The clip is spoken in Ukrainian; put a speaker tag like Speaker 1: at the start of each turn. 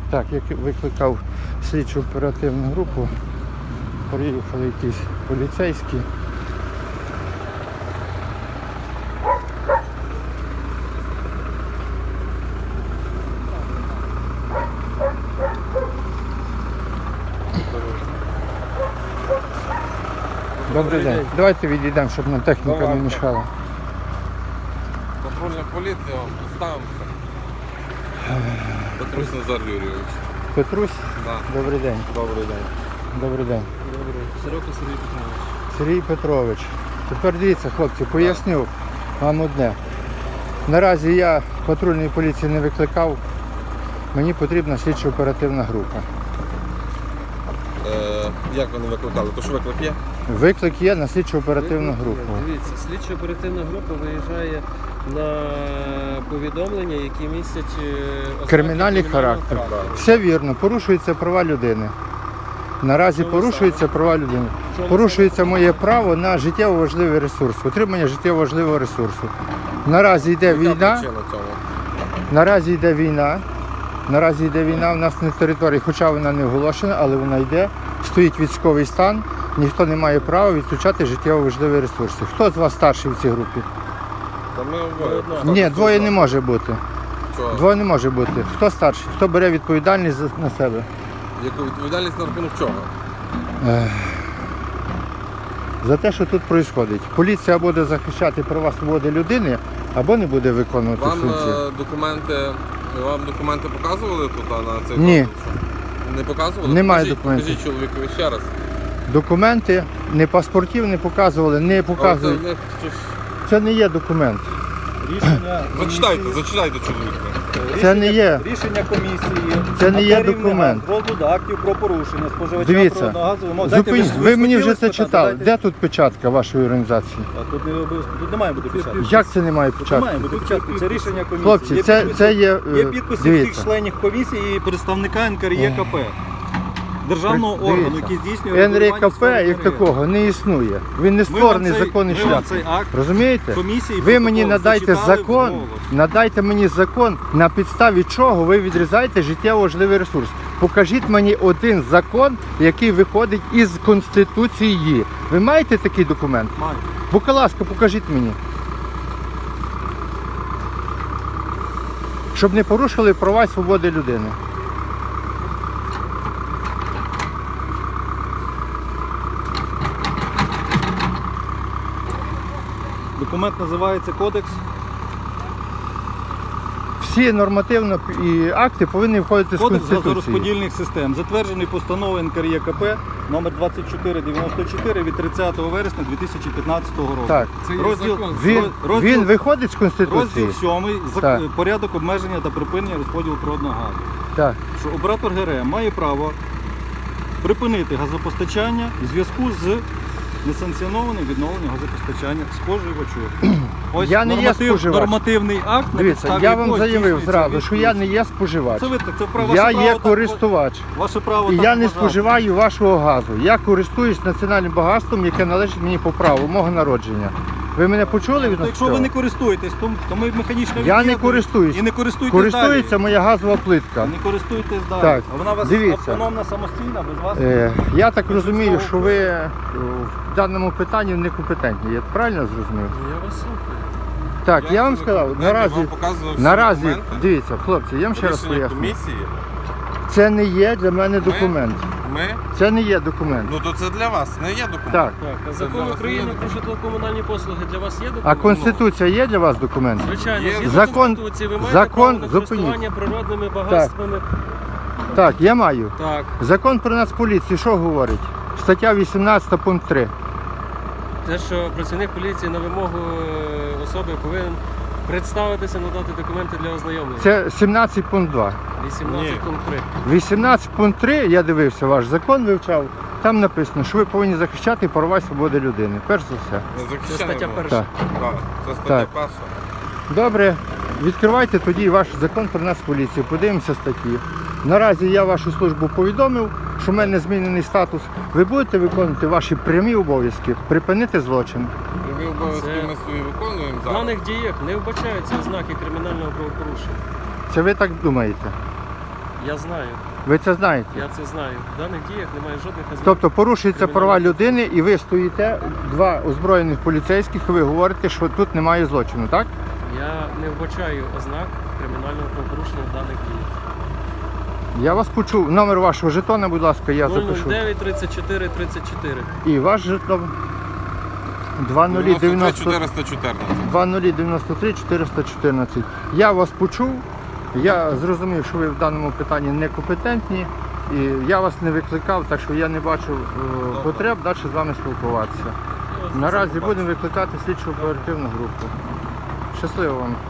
Speaker 1: Так, я викликав слідчу оперативну групу, приїхали якісь поліцейські. Добрий день. Давайте відійдемо, щоб нам техніка не мішала.
Speaker 2: Патрульна поліція, представимося. Петрусь Назар Юрійович.
Speaker 1: Петрусь?
Speaker 2: Да.
Speaker 1: Добрий день.
Speaker 2: Добрий день.
Speaker 1: Добрий день.
Speaker 3: Добрий. Сорока Сергій Петрович.
Speaker 1: Сергій Петрович. Тепер дивіться, хлопці, поясню вам одне. Наразі я патрульної поліції не викликав. Мені потрібна слідчо-оперативна група.
Speaker 2: Як ви не викликали? То що виклик є?
Speaker 1: Виклик є на слідчо-оперативну групу.
Speaker 3: Дивіться, слідчо-оперативна група виїжджає на повідомлення, які містять ознаки
Speaker 1: Кримінальний характер.
Speaker 3: кримінального
Speaker 1: Все вірно, порушуються права людини. Наразі
Speaker 3: Що
Speaker 1: порушуються права людини.
Speaker 3: Чому
Speaker 1: Порушується моє право на життєво важливий ресурс, отримання життєво важливого ресурсу. Наразі йде
Speaker 2: Яка
Speaker 1: війна.
Speaker 2: причина цього?
Speaker 1: Наразі йде війна. Наразі йде війна у нас на території, хоча вона не оголошена, але вона йде. Стоїть військовий стан, ніхто не має права відключати життєво важливі ресурси. Хто з вас старший в цій групі?
Speaker 2: Та ми обоє.
Speaker 1: Ні, двоє не може бути.
Speaker 2: Чого?
Speaker 1: Двоє не може бути. Хто старший? Хто бере відповідальність на себе?
Speaker 2: Яку відповідальність на рахунок чого?
Speaker 1: За те, що тут відбувається. Поліція буде захищати права свободи людини, або не буде виконувати
Speaker 2: Вам
Speaker 1: функції.
Speaker 2: документи показували тут на цей
Speaker 1: Ні.
Speaker 2: конкурс? Не показували?
Speaker 1: Немає
Speaker 2: Покажіть,
Speaker 1: документів.
Speaker 2: Покажіть чоловікові ще раз.
Speaker 1: Документи, не паспортів не показували, не показують. Це не є документ.
Speaker 4: Рішення
Speaker 2: Зачитайте чоловіка.
Speaker 1: Це не є.
Speaker 4: Рішення комісії.
Speaker 1: Це не є
Speaker 4: на
Speaker 1: документ.
Speaker 4: розгляду актів про порушення споживача
Speaker 1: Дивіться,
Speaker 4: природного газу. Дайте,
Speaker 1: Зупиніть, ви мені вже це
Speaker 4: спитати,
Speaker 1: читали.
Speaker 4: дайте.
Speaker 1: Де тут печатка вашої організації?
Speaker 4: Тут не має бути печатки.
Speaker 1: Як це немає
Speaker 4: Тут не має
Speaker 1: печатки?
Speaker 4: бути печатки. Це рішення комісії.
Speaker 1: Хлопці,
Speaker 4: Є
Speaker 1: це
Speaker 4: підписи-
Speaker 1: є.
Speaker 4: Є підписи всіх
Speaker 1: Дивіться.
Speaker 4: членів комісії і представника НКРЄКП. Державного органу,
Speaker 1: Дивіться.
Speaker 4: який здійснює регулювання
Speaker 1: НРКП
Speaker 4: сфери
Speaker 1: як
Speaker 4: енергетики.
Speaker 1: такого не існує. Він не
Speaker 4: Ми вам
Speaker 1: створений
Speaker 4: цей-
Speaker 1: законний
Speaker 4: ми вам
Speaker 1: шлях.
Speaker 4: цей акт
Speaker 1: Розумієте?
Speaker 4: комісії
Speaker 1: Ви мені
Speaker 4: протокол
Speaker 1: надайте
Speaker 4: зачитали
Speaker 1: закон,
Speaker 4: вголос.
Speaker 1: надайте мені закон, на підставі чого ви відрізаєте життєво важливий ресурс. Покажіть мені один закон, який виходить із Конституції. Ви маєте такий документ?
Speaker 4: Маю.
Speaker 1: Будь ласка, покажіть мені. Щоб не порушили права і свободи людини.
Speaker 4: Документ називається Кодекс.
Speaker 1: Всі нормативні і акти повинні входити з
Speaker 4: Кодекс
Speaker 1: Конституції.
Speaker 4: газорозподільних систем, затверджений постановою НКРЄКП номер 2494 від 30 вересня 2015 року.
Speaker 1: Так.
Speaker 2: Це є
Speaker 4: Розділ-
Speaker 2: закон.
Speaker 1: Він виходить з Конституції?
Speaker 4: Розділ 7
Speaker 1: Так.
Speaker 4: порядок обмеження та припинення розподілу природного газу.
Speaker 1: Так.
Speaker 4: Що оператор ГРМ має право припинити газопостачання в зв'язку з несанкціонованим відновленням газопостачання споживачу. Ось
Speaker 1: Я не є споживач.
Speaker 4: нормативний акт, на
Speaker 1: Дивіться,
Speaker 4: підставі
Speaker 1: я вам
Speaker 4: якого
Speaker 1: заявив
Speaker 4: здійснюється
Speaker 1: зразу, що я не
Speaker 4: відповідь.
Speaker 1: є споживач.
Speaker 4: Це право,
Speaker 1: Я
Speaker 4: ваше
Speaker 1: є
Speaker 4: право так-
Speaker 1: користувач.
Speaker 4: Ваше право
Speaker 1: І
Speaker 4: так
Speaker 1: я не
Speaker 4: вважати.
Speaker 1: споживаю вашого газу. Я користуюсь національним багатством, яке належить мені по праву, мого народження. Ви мене почули від
Speaker 4: То
Speaker 1: нас?
Speaker 4: якщо ви не користуєтесь, то ми механічно
Speaker 1: Я не
Speaker 4: від'єднуємо.
Speaker 1: користуюсь.
Speaker 4: І не користуйтесь
Speaker 1: Користується
Speaker 4: далі.
Speaker 1: моя газова плитка.
Speaker 4: Не користуйтесь далі.
Speaker 1: Так,
Speaker 4: А вона у вас
Speaker 1: дивіться.
Speaker 4: автономна, самостійна, без вас?
Speaker 1: Я так
Speaker 4: Без
Speaker 1: розумію,
Speaker 4: людського
Speaker 1: що ви в даному питанні некомпетентні. Я правильно зрозумів?
Speaker 3: Я вас слухаю.
Speaker 1: Так, я вам сказав, наразі, дивіться, хлопці, я вам ще раз
Speaker 2: Рішення
Speaker 1: поясню.
Speaker 2: комісії.
Speaker 1: Це не є для мене документ.
Speaker 2: Ми?
Speaker 1: Це не є документ.
Speaker 2: Ну то це для вас, не є документ.
Speaker 1: Так.
Speaker 3: Так, а
Speaker 2: Це
Speaker 3: закон
Speaker 2: для вас
Speaker 3: України
Speaker 2: є
Speaker 3: про житлово-комунальні послуги для вас є
Speaker 1: А
Speaker 3: документ?
Speaker 1: Конституція є для вас документ?
Speaker 3: Звичайно,
Speaker 2: Є.
Speaker 3: згідно
Speaker 1: Закон-
Speaker 3: Конституції ви маєте
Speaker 1: закон-
Speaker 3: право на
Speaker 1: зупиніть.
Speaker 3: користування природними багатствами.
Speaker 1: Так, я маю.
Speaker 3: Так.
Speaker 1: Закон про Нацполіцію що говорить? Стаття 18 пункт 3.
Speaker 3: Те, що працівник поліції на вимогу особи повинен представитися, надати документи для ознайомлення.
Speaker 1: Це 17 пункт 2.
Speaker 3: 18
Speaker 2: Ні.
Speaker 3: пункт 3.
Speaker 1: 18 пункт 3, я дивився ваш закон, вивчав. Там написано, що ви повинні захищати права і свободи людини. Перш за все.
Speaker 2: Ми
Speaker 3: Це
Speaker 2: захищаємо.
Speaker 3: стаття перша.
Speaker 1: Так.
Speaker 2: Так, це стаття
Speaker 1: Так.
Speaker 2: перша.
Speaker 1: Добре, відкривайте тоді ваш закон про Нацполіцію, подивимося статті. Наразі я вашу службу повідомив, що в мене змінений статус. Ви будете виконувати ваші прямі обов'язки, припинити злочин.
Speaker 2: Прямі обов'язки
Speaker 3: Це-
Speaker 2: ми свої виконуємо
Speaker 3: В
Speaker 2: зараз.
Speaker 3: даних діях не вбачаються ознаки кримінального правопорушення.
Speaker 1: Це ви так думаєте?
Speaker 3: Це ви так думаєте.
Speaker 1: Так.
Speaker 3: Це
Speaker 1: Добре,
Speaker 3: Я знаю,
Speaker 1: Ви це знаєте?
Speaker 3: я це знаю. В даних діях немає жодних ознак.
Speaker 1: Тобто порушуються права людини і ви стоїте, два озброєних поліцейських, і ви говорите, що тут немає злочину, так?
Speaker 3: Я не вбачаю ознак кримінального правопорушення в даних діях.
Speaker 1: Я вас почув. Номер вашого жетона, будь ласка, я запишу.
Speaker 3: 009 34 34.
Speaker 1: І ваш жетон 2090
Speaker 2: 414.
Speaker 1: 2093 414. Я вас почув, я зрозумів, що ви в даному питанні некомпетентні, і я вас не викликав, так що я не бачу потреб далі з вами спілкуватися. Наразі будемо викликати слідчу оперативну групу. Щасливо вам.